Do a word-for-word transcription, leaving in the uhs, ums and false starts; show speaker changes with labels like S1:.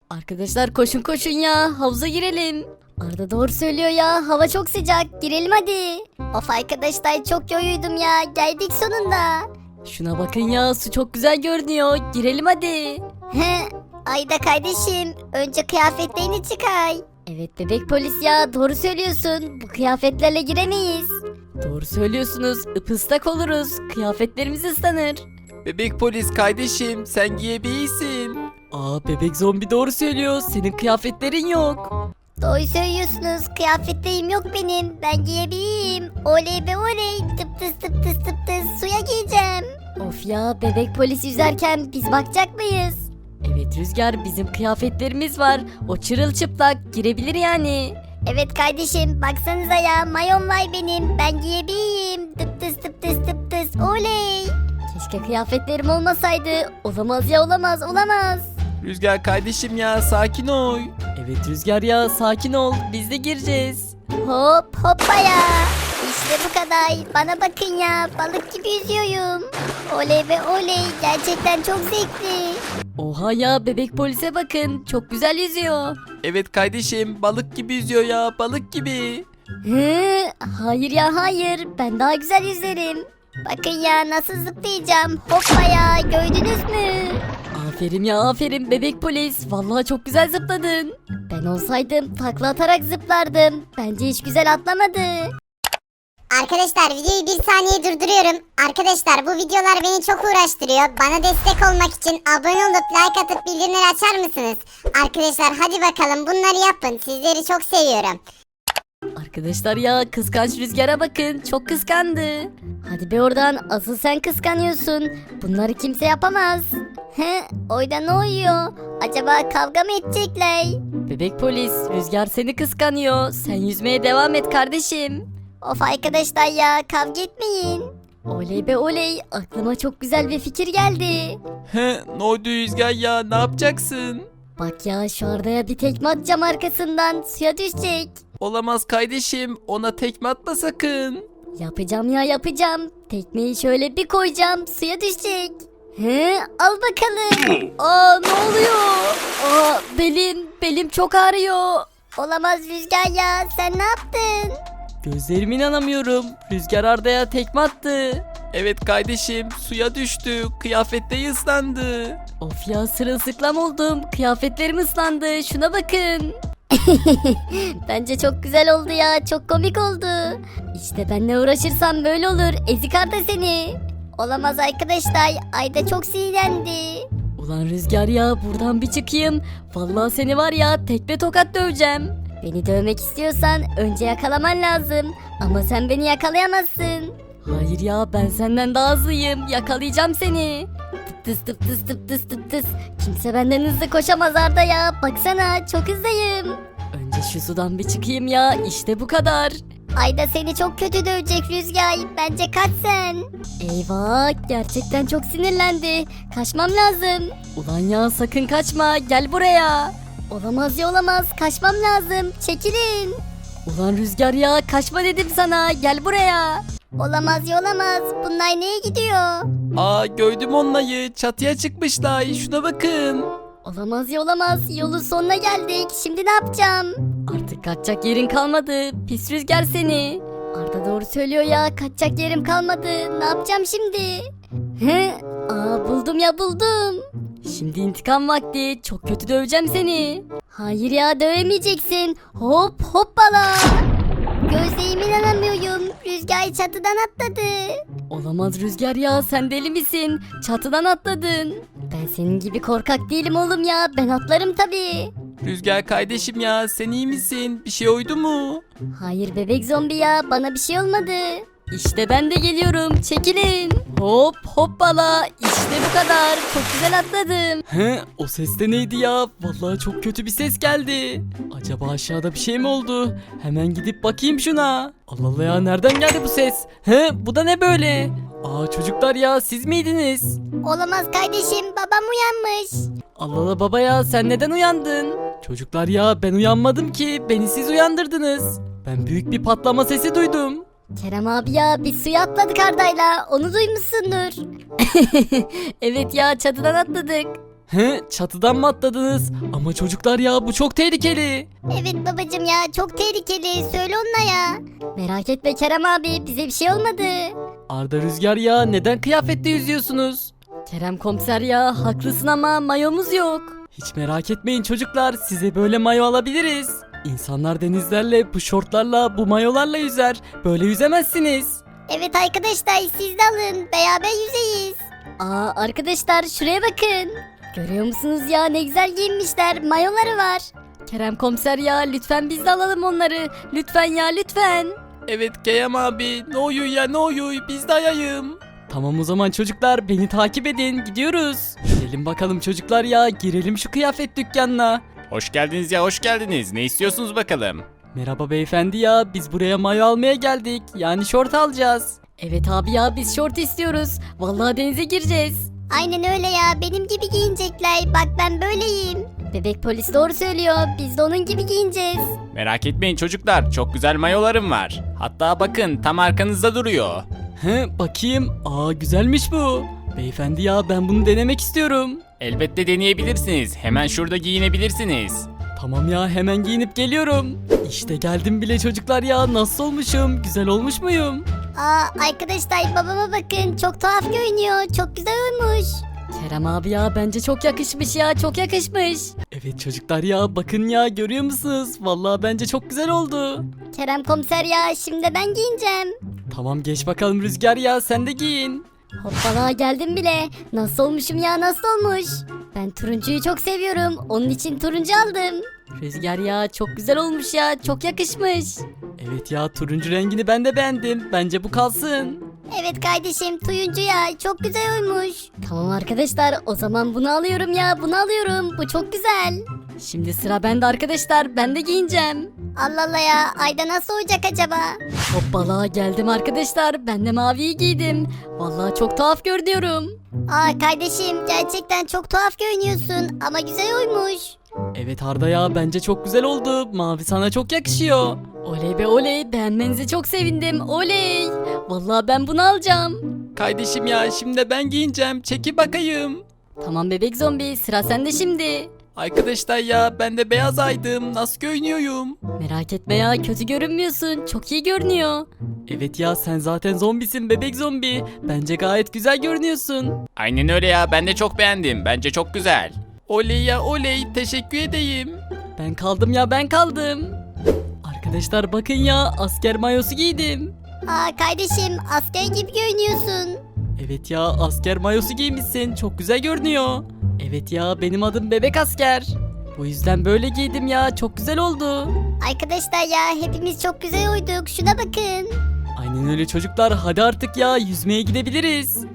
S1: Arkadaşlar koşun koşun ya, havuza girelim. Arda doğru söylüyor ya, hava çok sıcak, girelim hadi. Of arkadaşlar çok yoruldum ya, geldik sonunda. Şuna bakın ya, su çok güzel görünüyor, girelim hadi. He, Ayda kardeşim, önce kıyafetlerini çıkar. Evet bebek polis ya, doğru söylüyorsun, bu kıyafetlerle giremeyiz. Doğru söylüyorsunuz, ıpıslak oluruz, kıyafetlerimiz ıslanır.
S2: Bebek polis kardeşim sen giyebilirsin.
S1: Aa bebek zombi doğru söylüyor, senin kıyafetlerin yok.
S3: Doğru söylüyorsunuz. Kıyafetlerim yok benim. Ben giyebileyim. Oley be oley. Tıp tıs tıp tıs tıp tıs. Suya gireceğim.
S1: Of ya, bebek polis yüzerken biz bakacak mıyız? Evet Rüzgar, bizim kıyafetlerimiz var. O çırılçıplak girebilir yani.
S3: Evet kardeşim baksanıza ya. Mayon var benim. Ben giyebileyim. Tıp tıs tıp tıs tıp tıs. Oley.
S1: Keşke kıyafetlerim olmasaydı. Olamaz ya, olamaz olamaz.
S2: Rüzgar kardeşim ya sakin ol.
S1: Evet Rüzgar ya, sakin ol, biz de gireceğiz.
S3: Hop hoppa ya. İşte bu kadar. Bana bakın ya. Balık gibi yüzüyorum. Oley be oley. Gerçekten çok zevkli.
S1: Oha ya, bebek polise bakın, çok güzel yüzüyor.
S2: Evet kardeşim balık gibi yüzüyor ya balık gibi.
S1: Hı, hayır ya hayır, ben daha güzel yüzerim.
S3: Bakın ya nasıl zıplayacağım. Hoppa ya. Gördünüz mü?
S1: Aferin ya aferin bebek polis, vallahi çok güzel zıpladın. Ben olsaydım takla atarak zıplardım, bence hiç güzel atlamadı.
S4: Arkadaşlar videoyu bir saniye durduruyorum. Arkadaşlar bu videolar beni çok uğraştırıyor. Bana destek olmak için abone olup like atıp bildirimleri açar mısınız? Arkadaşlar hadi bakalım bunları yapın. Sizleri çok seviyorum.
S1: Arkadaşlar ya, kıskanç Rüzgar'a bakın, çok kıskandı. Hadi be oradan, asıl sen kıskanıyorsun. Bunları kimse yapamaz.
S3: He, oyda ne oluyor? Acaba kavga mı edecekler?
S1: Bebek polis, Rüzgar seni kıskanıyor. Sen yüzmeye devam et kardeşim.
S3: Of arkadaşlar ya kavga etmeyin.
S1: Oley be oley, aklıma çok güzel bir fikir geldi.
S2: He ne oldu Rüzgar ya ne yapacaksın?
S1: Bak ya, şu Arda'ya bir tekme atacağım arkasından, suya düşecek.
S2: Olamaz kardeşim ona tekme atma sakın.
S1: Yapacağım ya yapacağım. Tekmeyi şöyle bir koyacağım, suya düşecek. He, al bakalım. Aa, ne oluyor? Aa, belim, belim çok ağrıyor.
S3: Olamaz Rüzgar ya sen ne yaptın?
S1: Gözlerime inanamıyorum. Rüzgar Arda'ya tekme attı.
S2: Evet kardeşim suya düştü kıyafetleri ıslandı.
S1: Of ya, sırılsıklam oldum. Kıyafetlerim ıslandı. Şuna bakın.
S3: Bence çok güzel oldu ya çok komik oldu.
S1: İşte benle uğraşırsam böyle olur. Ezik Arda seni.
S3: Olamaz arkadaşlar Ayda çok sinirlendi.
S1: Ulan Rüzgar ya, buradan bir çıkayım. Vallahi seni var ya, tekme tokat döveceğim.
S3: Beni dövmek istiyorsan önce yakalaman lazım. Ama sen beni yakalayamazsın.
S1: Hayır ya, ben senden daha hızlıyım. Yakalayacağım seni. Tıp tıs tıp tıs tıp tıs tıp tıs.
S3: Kimse benden hızlı koşamaz Arda ya. Baksana çok hızlıyım.
S1: Önce şu sudan bir çıkayım ya. İşte bu kadar.
S3: Ayda seni çok kötü dövecek Rüzgar. Bence kaç sen.
S1: Eyvah, gerçekten çok sinirlendi. Kaçmam lazım. Ulan ya, sakın kaçma, gel buraya.
S3: Olamaz ya olamaz. Kaçmam lazım. Çekilin.
S1: Ulan Rüzgar ya, kaçma dedim sana, gel buraya.
S3: Olamaz ya olamaz. Bunlar neye gidiyor?
S2: Aa gördüm onları çatıya çıkmışlar şuna bakın.
S1: Olamaz ya olamaz, yolun sonuna geldik. Şimdi ne yapacağım? Artık kaçacak yerin kalmadı, pis Rüzgar seni. Arda doğru söylüyor ya, kaçacak yerim kalmadı. Ne yapacağım şimdi? He? Aa, buldum ya buldum. Şimdi intikam vakti, çok kötü döveceğim seni. Hayır ya, dövemeyeceksin. Hop hoppala.
S3: Gözlerime inanamıyorum. Rüzgar çatıdan atladı.
S1: Olamaz Rüzgar ya, sen deli misin? Çatıdan atladın. Ben senin gibi korkak değilim oğlum ya, ben atlarım tabii.
S2: Rüzgar kardeşim ya sen iyi misin bir şey oydu mu?
S1: Hayır bebek zombi ya, bana bir şey olmadı. İşte ben de geliyorum, çekilin. Hop hoppala, işte bu kadar, çok güzel atladım.
S2: He o ses de neydi ya vallahi çok kötü bir ses geldi. Acaba aşağıda bir şey mi oldu? Hemen gidip bakayım şuna. Allah Allah ya nereden geldi bu ses? He bu da ne böyle? Aa çocuklar ya siz miydiniz?
S3: Olamaz kardeşim. Babam uyanmış.
S2: Allah Allah baba ya sen neden uyandın? Çocuklar ya ben uyanmadım ki beni siz uyandırdınız. Ben büyük bir patlama sesi duydum.
S1: Kerem abi ya, biz suya atladık Arda'yla, onu duymuşsundur. Evet ya, çatıdan atladık.
S2: He, çatıdan mı atladınız? Ama çocuklar ya bu çok tehlikeli.
S3: Evet babacım ya çok tehlikeli söyle onunla ya.
S1: Merak etme Kerem abi bize bir şey olmadı.
S2: Arda Rüzgar ya neden kıyafetle yüzüyorsunuz?
S1: Kerem komiser ya haklısın ama mayomuz yok.
S2: Hiç merak etmeyin çocuklar, size böyle mayo alabiliriz. İnsanlar denizlerle, bu şortlarla, bu mayolarla yüzer. Böyle yüzemezsiniz.
S3: Evet arkadaşlar siz de alın beraber yüzeyiz.
S1: Aa arkadaşlar şuraya bakın. Görüyor musunuz ya ne güzel giyinmişler mayoları var. Kerem komiser ya lütfen biz de alalım onları. Lütfen ya lütfen.
S2: Evet Keyam abi, ne oyu ya ne oyu, biz de ayayım. Tamam o zaman çocuklar, beni takip edin, gidiyoruz. Gelin bakalım çocuklar ya, girelim şu kıyafet dükkanına.
S5: Hoş geldiniz ya hoş geldiniz. Ne istiyorsunuz bakalım?
S2: Merhaba beyefendi ya, biz buraya mayo almaya geldik. Yani şort alacağız.
S1: Evet abi ya biz şort istiyoruz. Vallahi denize gireceğiz.
S3: Aynen öyle ya benim gibi giyinecekler bak ben böyleyim.
S1: Bebek polis doğru söylüyor. Biz de onun gibi giyineceğiz.
S5: Merak etmeyin çocuklar. Çok güzel mayolarım var. Hatta bakın tam arkanızda duruyor.
S2: He bakayım, aa güzelmiş bu. Beyefendi ya ben bunu denemek istiyorum.
S5: Elbette deneyebilirsiniz. Hemen şurada giyinebilirsiniz.
S2: Tamam ya, hemen giyinip geliyorum. İşte geldim bile çocuklar ya, nasıl olmuşum, güzel olmuş muyum?
S3: Aa arkadaşlar babama bakın çok tuhaf görünüyor çok güzel olmuş.
S1: Kerem abi ya bence çok yakışmış ya çok yakışmış.
S2: Evet çocuklar ya, bakın ya, görüyor musunuz? Vallahi bence çok güzel oldu.
S3: Kerem komiser ya şimdi ben giyineceğim.
S2: Tamam geç bakalım Rüzgar ya, sen de giyin.
S1: Hoppala geldim bile. Nasıl olmuşum ya nasıl olmuş? Ben turuncuyu çok seviyorum. Onun için turuncu aldım. Rüzgar ya çok güzel olmuş ya çok yakışmış.
S2: Evet ya, turuncu rengini ben de beğendim. Bence bu kalsın.
S3: Evet kardeşim tuyuncu ya çok güzel olmuş.
S1: Tamam arkadaşlar o zaman bunu alıyorum ya bunu alıyorum. Bu çok güzel. Şimdi sıra bende arkadaşlar ben de giyineceğim.
S3: Allah Allah ya Ayda nasıl olacak acaba?
S1: Hoppala geldim arkadaşlar ben de maviyi giydim. Vallahi çok tuhaf görünüyorum.
S3: Aa kardeşim gerçekten çok tuhaf görünüyorsun ama güzel olmuş.
S2: Evet Arda ya, bence çok güzel oldu. Mavi sana çok yakışıyor.
S1: Oley be oley beğenmenize çok sevindim oley. Vallahi ben bunu alacağım.
S2: Kardeşim ya, şimdi ben giyineceğim. Çeki bakayım.
S1: Tamam bebek zombi sıra sende şimdi.
S2: Arkadaşlar ya, ben de beyaz aydım. Nasıl görünüyorum?
S1: Merak etme ya kötü görünmüyorsun çok iyi görünüyor.
S2: Evet ya, sen zaten zombisin bebek zombi. Bence gayet güzel görünüyorsun.
S5: Aynen öyle ya. Ben de çok beğendim. Bence çok güzel.
S2: Oley ya oley, teşekkür edeyim. Ben kaldım ya, ben kaldım. Arkadaşlar bakın ya, asker mayosu giydim.
S3: Aa kardeşim asker gibi görünüyorsun.
S2: Evet ya, asker mayosu giymişsin, çok güzel görünüyor. Evet ya, benim adım bebek asker. Bu yüzden böyle giydim ya, çok güzel oldu.
S3: Arkadaşlar ya hepimiz çok güzel uyduk şuna bakın.
S2: Aynen öyle çocuklar, hadi artık ya, yüzmeye gidebiliriz.